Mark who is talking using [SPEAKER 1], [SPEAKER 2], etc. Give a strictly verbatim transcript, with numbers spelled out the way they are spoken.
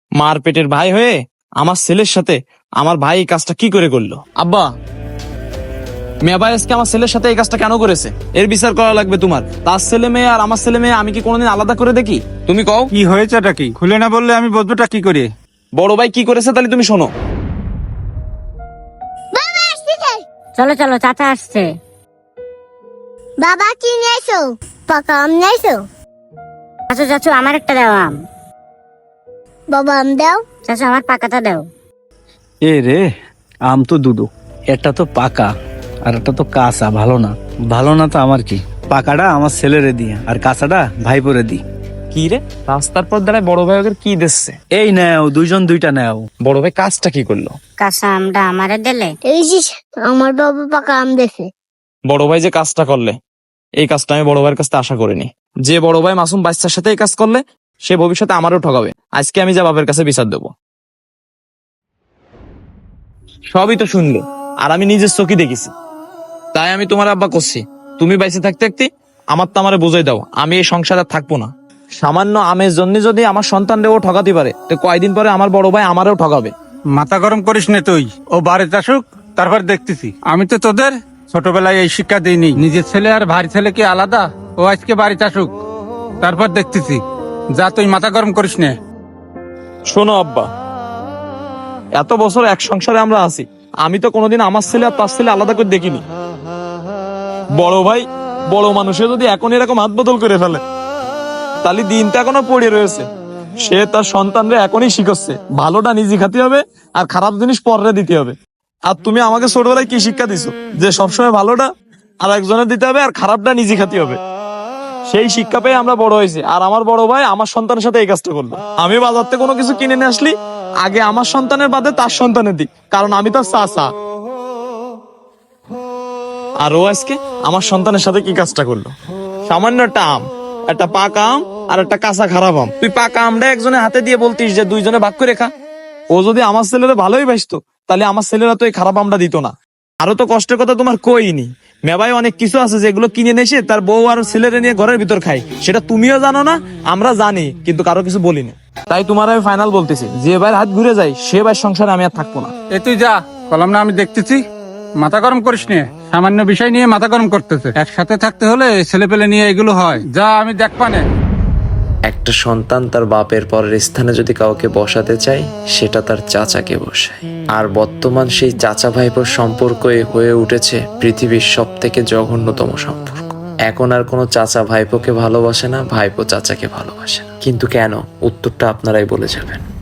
[SPEAKER 1] মার পেটের ভাই হয়ে আমার ছেলের সাথে আমার ভাই এই কাজটা কি করে করলো? আব্বা, মেয়ে ভাই আজকে আমার ছেলের সাথে এই কাজটা কেন করেছে? এর বিচার করা লাগবে তোমার। তার ছেলে মেয়ে আর আমার ছেলে মেয়ে আমি কি কোনোদিন আলাদা করে দেখি? তুমি কও
[SPEAKER 2] কি হয়েছেটা কি? খুলে না বললে আমি বুঝবোটা কি করে?
[SPEAKER 1] বড় ভাই কি করেছে তাহলে তুমি শোনো।
[SPEAKER 3] চলো চলো, চাচা আসছে।
[SPEAKER 4] বাবা কি নিয়েছো? পাকা আম নিয়েছো?
[SPEAKER 3] চাচু চাচু আমার একটা দাও আম।
[SPEAKER 4] বাবা আম দাও।
[SPEAKER 3] চাচু আমার পাকাটা দাও।
[SPEAKER 2] এ রে, আম তো দুটো, একটা তো পাকা আর একটা তো কাঁচা। ভালো না, ভালো না তো আমার কি? পাকাটা আমার ছেলেরে দিয়ে আর কাঁচাটা ভাইপোরে দি।
[SPEAKER 1] কি রে, রাস্তার পর দাঁড়ায় বড় ভাই ওকে কি দিচ্ছে?
[SPEAKER 2] এই নাও, দুইজন দুইটা নাও।
[SPEAKER 1] বড় ভাই কাজটা কি করলো?
[SPEAKER 3] কাঁচা আমটা আমারে দিলে।
[SPEAKER 4] এই যে আমার বাবা পাকা আম দেছে।
[SPEAKER 1] বড় ভাই যে কাজটা করলে, এই কাজটা আমি বড় ভাইয়ের কাছ থেকে আশা করিনি। যে বড় ভাই মাসুম বাচ্চার সাথে এই কাজ করলে, সে ভবিষ্যতে আমারও ঠকাবে। আজকে আমি যা বাবার কাছে বিচার দেবো। সবই তো শুনলে, আর আমি নিজের চোখে দেখেছি। তাই আমি তোমার আব্বা করছি, তুমি বাইসে থাকতে থাকতে আমার তো আমারে বুঝাই দাও, আমি এই সংসারে আর থাকবো না। সামান্য আমের জন্য যদি আমার সন্তানরেও ঠকাতে পারে, তো কয়দিন পরে আমার বড় ভাই আমারও ঠকাবে।
[SPEAKER 2] মাথা গরম করিস না তুই। ও বাড়িতে আসুক, তারপর দেখতেছি। আমি তো তোদের ছোটবেলায় এই শিক্ষা দিইনি, নিজের ছেলে আর ভাই ছেলে কি আলাদা? ও আজকে বাড়িতে আসুক, তারপর দেখতেছি। যা, তুই মাথা গরম করিস না।
[SPEAKER 1] শোনো আব্বা, এত বছর এক সংসারে আমরা আছি, আমি তো কোনোদিন আমার ছেলে আর তার ছেলে আলাদা করে দেখিনি। বড় ভাই বড় মানুষে যদি এখন এরকম হাত বদল করে ফেলে, তাহলে দিনটা এখনো পড়ে রয়েছে। সে তার সন্তানরে এখনই শিখাচ্ছে ভালোটা নিজে খাতে হবে আর খারাপ জিনিস পরে দিতে হবে। আর তুমি আমাকে ছোটবেলায় কি শিক্ষা দিছো? যে সবসময় ভালোটা আর একজনের দিতে হবে আর খারাপটা নিজে খাতে হবে। সেই শিক্ষা পেয়ে আমরা বড় হয়েছি। আর আমার বড় ভাই আমার সন্তানের সাথে এই কাজটা করলো। আমি বাজার থেকে কোনো কিছু কিনে নিয়ে আসলি, আগে আমার সন্তানের বাদে তার সন্তানের দিক, কারণ আমি তার চাচা। আর ও আজকে আমার সন্তানের সাথে কি কাজটা করলো? সামান্য একটা আম, একটা পাকা আম আর একটা কাঁচা খারাপ আম, তুই পাকা আমটা একজনের হাতে দিয়ে বলতিস যে দুইজনে ভাগ করে খা। ও যদি আমার ছেলেরা ভালোই বাসতো, তাহলে আমার ছেলেরা তো এই খারাপ আমটা দিত না। আরো তো কষ্টের কথা তোমার কইনি। মেবাই অনেক কিছু আছে যেগুলো কিনে নেছে তার বউ আর ছেলেরা নিয়ে ঘরের ভিতর খাই, সেটা তুমিও জানো না, আমরা জানি, কিন্তু কারো কিছু বলি না। তাই তোমার আমি ফাইনাল বলতেছি, যে ভাইয়ের হাত ঘুরে যায় সে ভাইয়ের সংসারে আমি আর থাকবো না।
[SPEAKER 2] এ তুই যা, কলাম না, আমি দেখতেছি। মাথা গরম করিস নে, সামান্য বিষয় নিয়ে মাথা গরম করতেছে। একসাথে থাকতে হলে ছেলে পেলে নিয়ে এগুলো হয়। যা, আমি দেখবানে।
[SPEAKER 5] একটা সন্তান তার বাপের পরের স্থানে যদি কাউকে বসাতে চায়, সেটা তার চাচাকে বসায়। আর বর্তমান সেই চাচা ভাইপোর সম্পর্কই হয়ে উঠেছে পৃথিবীর সব থেকে জঘন্যতম সম্পর্ক। এখন আর কোনো চাচা ভাইপোকে ভালোবাসে না, ভাইপো চাচাকে ভালোবাসে না। কিন্তু কেন? উত্তরটা আপনারাই বলে যাবেন।